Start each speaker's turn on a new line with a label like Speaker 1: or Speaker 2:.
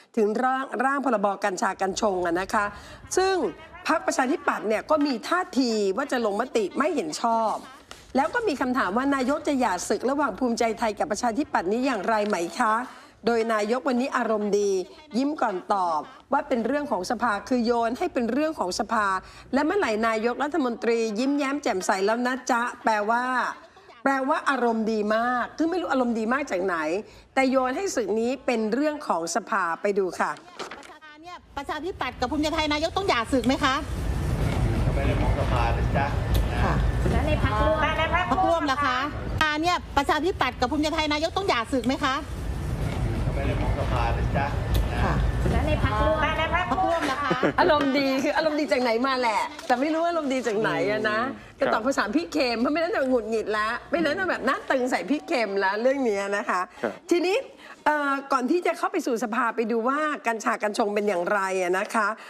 Speaker 1: ถึงร่างพรบกัญชากัญชงนะคะ ซึ่งพรรคประชาธิปัตย์เนี่ยก็มีท่าทีว่าจะลงมติไม่เห็นชอบ แล้วก็มีคำถามว่านายกจะหย่าศึกระหว่างภูมิใจไทยกับประชาธิปัตย์นี้อย่างไรไหมคะ โดยนายกวันนี้อารมณ์ดียิ้มก่อนตอบว่าเป็นเรื่องของสภาคือโยนให้เป็นเรื่องของสภาและเมื่อไหร่นายกรัฐมนตรียิ้มแย้มแจ่มใสแล้วนะจ๊ะแปลว่าอารมณ์ดีมากคือไม่รู้อารมณ์ดีมากจากไหนแต่โยนให้ศึกนี้เป็นเรื่องของสภาไปดูค่ะ
Speaker 2: ประชาธิปัตย์กับภูมิใจไทยนายกต้องหย่าศึกไหมคะ
Speaker 3: ไม่ได้มองสภานะจ๊ะ
Speaker 2: ค่ะแล้วในพรรคร่วมล่ะคะเนี่ยประชาธิปัตย์กับภูมิใจไทยนายกต้องหย่าศึกไหมคะ
Speaker 3: ไม่ได้มองสภานะจ๊ะ
Speaker 2: ค่ะแล้วในพรรคร่วมล่ะคะ
Speaker 1: อารมณ์ดีคืออารมณ์ดีจากไหนมาแหละแต่ไม่รู้ว่าอารมณ์ดีจากไหนอะนะจะตอบภาษาพี่เค็มเพราะไม่นั้นจะหงุดหงิดแล้วไม่นั้นจะแบบหน้าตึงใส่พี่เค็มแล้วเรื่องนี้นะคะทีนี้ก่อนที่จะเข้าไปสู่สภาไปดูว่ากัญชากัญชงเป็นอย่างไรนะคะ